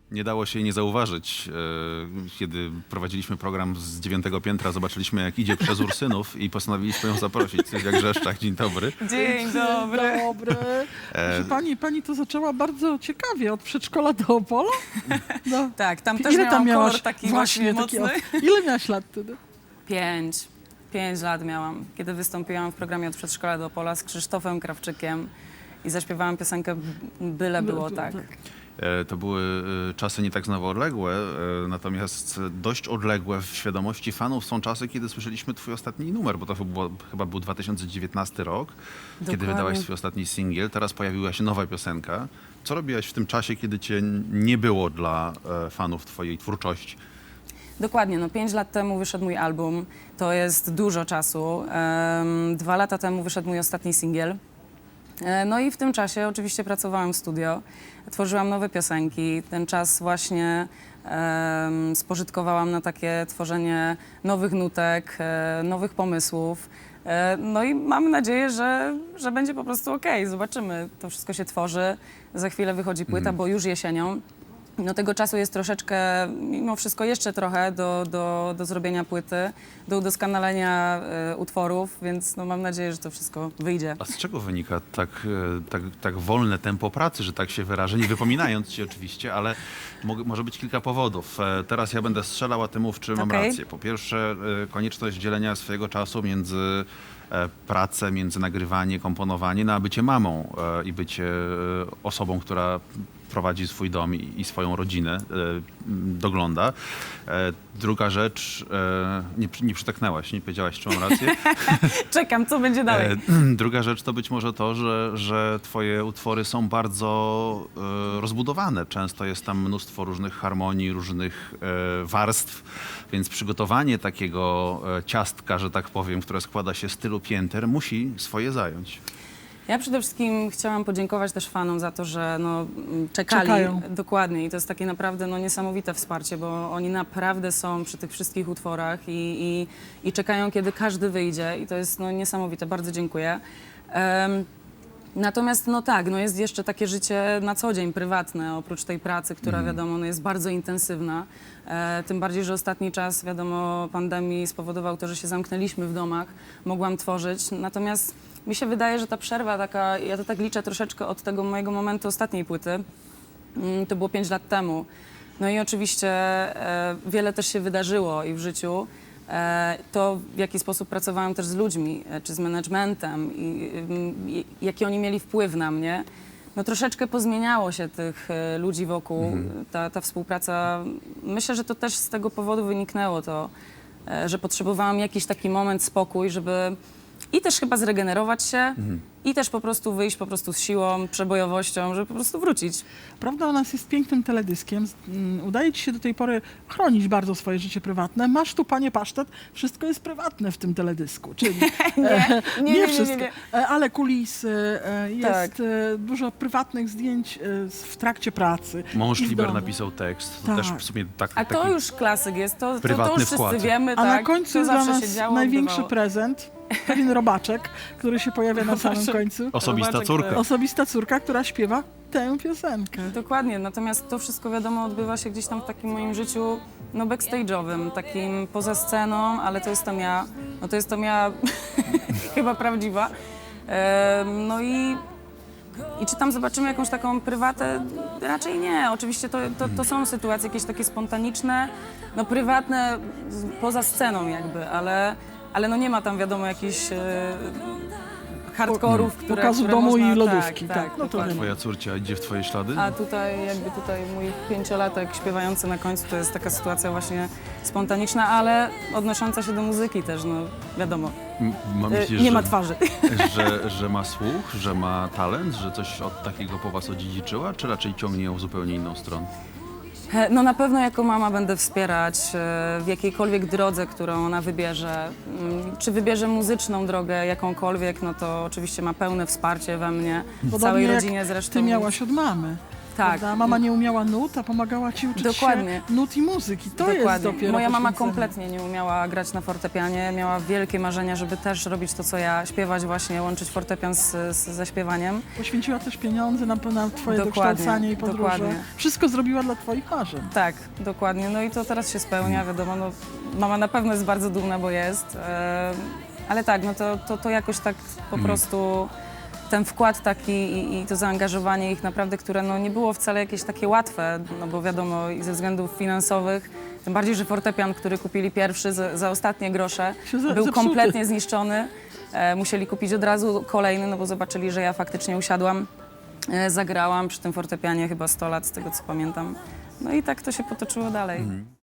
Nie dało się nie zauważyć, kiedy prowadziliśmy program z 9. piętra, zobaczyliśmy jak idzie przez Ursynów i postanowiliśmy ją zaprosić. Sylwia Grzeszczak, dzień dobry. Dzień dobry. Dobry. Proszę pani to zaczęła bardzo ciekawie, od przedszkola do Opola? No. Tak, tam też Ile miałam tam miałaś? kolor taki właśnie taki, mocny. ile miałaś lat wtedy? 5 lat miałam, kiedy wystąpiłam w programie Od przedszkola do Opola z Krzysztofem Krawczykiem i zaśpiewałam piosenkę Byle było tak. To były czasy nie tak znowu odległe, natomiast dość odległe w świadomości fanów są czasy, kiedy słyszeliśmy twój ostatni numer, bo to chyba był 2019 rok, kiedy Dokładnie. wydałaś swój ostatni singiel. Teraz pojawiła się nowa piosenka. Co robiłaś w tym czasie, kiedy cię nie było dla fanów twojej twórczości? Dokładnie, no 5 lat temu wyszedł mój album, to jest dużo czasu. 2 lata temu wyszedł mój ostatni singiel. No i w tym czasie oczywiście pracowałam w studio, tworzyłam nowe piosenki. Ten czas właśnie spożytkowałam na takie tworzenie nowych nutek, nowych pomysłów. No i mamy nadzieję, że będzie po prostu okej. Zobaczymy, to wszystko się tworzy. Za chwilę wychodzi płyta, bo już jesienią. No tego czasu jest troszeczkę, mimo wszystko jeszcze trochę do zrobienia płyty, do udoskonalenia utworów, więc no mam nadzieję, że to wszystko wyjdzie. A z czego wynika tak wolne tempo pracy, że tak się wyrażę, nie wypominając ci oczywiście, ale może być kilka powodów. Teraz ja będę strzelał, a ty mów, czy mam Okej. rację. Po pierwsze, konieczność dzielenia swojego czasu między pracę, między nagrywanie, komponowanie, no a bycie mamą i bycie osobą, która prowadzi swój dom i swoją rodzinę, dogląda. Druga rzecz, nie przytaknęłaś, nie powiedziałaś, czy mam rację. Czekam, co będzie dalej. Druga rzecz to być może to, że twoje utwory są bardzo rozbudowane. Często jest tam mnóstwo różnych harmonii, różnych warstw, więc przygotowanie takiego ciastka, że tak powiem, które składa się z tylu pięter, musi swoje zająć. Ja przede wszystkim chciałam podziękować też fanom za to, że no, czekali. Czekają. Dokładnie i to jest takie naprawdę no, niesamowite wsparcie, bo oni naprawdę są przy tych wszystkich utworach i czekają, kiedy każdy wyjdzie i to jest no, niesamowite. Bardzo dziękuję. Natomiast no tak, no jest jeszcze takie życie na co dzień, prywatne, oprócz tej pracy, która wiadomo no jest bardzo intensywna. Tym bardziej, że ostatni czas, wiadomo, pandemii spowodował to, że się zamknęliśmy w domach, mogłam tworzyć. Natomiast mi się wydaje, że ta przerwa taka, ja to tak liczę troszeczkę od tego mojego momentu ostatniej płyty, to było 5 lat temu. No i oczywiście wiele też się wydarzyło i w życiu. To, w jaki sposób pracowałam też z ludźmi, czy z managementem i jaki oni mieli wpływ na mnie, no troszeczkę pozmieniało się tych ludzi wokół. Ta współpraca, myślę, że to też z tego powodu wyniknęło to, że potrzebowałam jakiś taki moment, spokój, żeby i też chyba zregenerować się i też po prostu wyjść po prostu z siłą, przebojowością, żeby po prostu wrócić. Prawda o nas jest pięknym teledyskiem. Udaje ci się do tej pory chronić bardzo swoje życie prywatne. Masz tu, panie pasztet, wszystko jest prywatne w tym teledysku. Czyli Nie. wszystko, ale kulisy, jest Tak. dużo prywatnych zdjęć w trakcie pracy. Mąż i w Liber domu. napisał tekst. To Tak. też w sumie A to taki... już klasyk jest, to prywatny już wszyscy wkład. wiemy, A tak, na końcu to jest dla zawsze nas się działo, największy odbywało. prezent. Pewien robaczek, który się pojawia na samym końcu. Osobista Robaczek, córka. Osobista córka, która śpiewa tę piosenkę. Dokładnie, natomiast to wszystko wiadomo odbywa się gdzieś tam w takim moim życiu no backstage'owym, takim poza sceną, ale to jestem ja, no to jestem ja chyba prawdziwa. No i czy tam zobaczymy jakąś taką prywatę? Raczej nie. Oczywiście to są sytuacje jakieś takie spontaniczne, no prywatne poza sceną jakby, ale no nie ma tam wiadomo jakichś hardkorów, Pokazu które domu można, i lodówki, tak, no to dokładnie. Twoja córcia idzie w twoje ślady? A tutaj mój 5-latek śpiewający na końcu to jest taka sytuacja właśnie spontaniczna, ale odnosząca się do muzyki też, no wiadomo, Myślisz, nie ma twarzy. że ma słuch, że ma talent, że coś od takiego po was odziedziczyła, czy raczej ciągnie ją w zupełnie inną stronę? No na pewno jako mama będę wspierać w jakiejkolwiek drodze, którą ona wybierze. Czy wybierze muzyczną drogę jakąkolwiek, no to oczywiście ma pełne wsparcie we mnie, w całej Podobnie jak rodzinie zresztą. Ty miałaś od mamy. Tak. prawda? Mama nie umiała nut, a pomagała ci uczyć Dokładnie. się nut i muzyki. To jest dopiero Moja mama poświęcenie. kompletnie nie umiała grać na fortepianie, miała wielkie marzenia, żeby też robić to, co ja, śpiewać właśnie, łączyć fortepian ze śpiewaniem. Poświęciła też pieniądze na twoje Dokładnie, dokształcanie i podróże. dokładnie. Wszystko zrobiła dla twoich marzeń. Tak, dokładnie. No i to teraz się spełnia, wiadomo, no, mama na pewno jest bardzo dumna, bo jest. Ale tak, no to jakoś tak po prostu ten wkład taki i to zaangażowanie ich naprawdę, które no, nie było wcale jakieś takie łatwe, no bo wiadomo i ze względów finansowych, tym bardziej, że fortepian, który kupili pierwszy za ostatnie grosze, Się był zepsuty. kompletnie zniszczony. Musieli kupić od razu kolejny, no bo zobaczyli, że ja faktycznie usiadłam, zagrałam przy tym fortepianie chyba 100 lat, z tego co pamiętam. No i tak to się potoczyło dalej.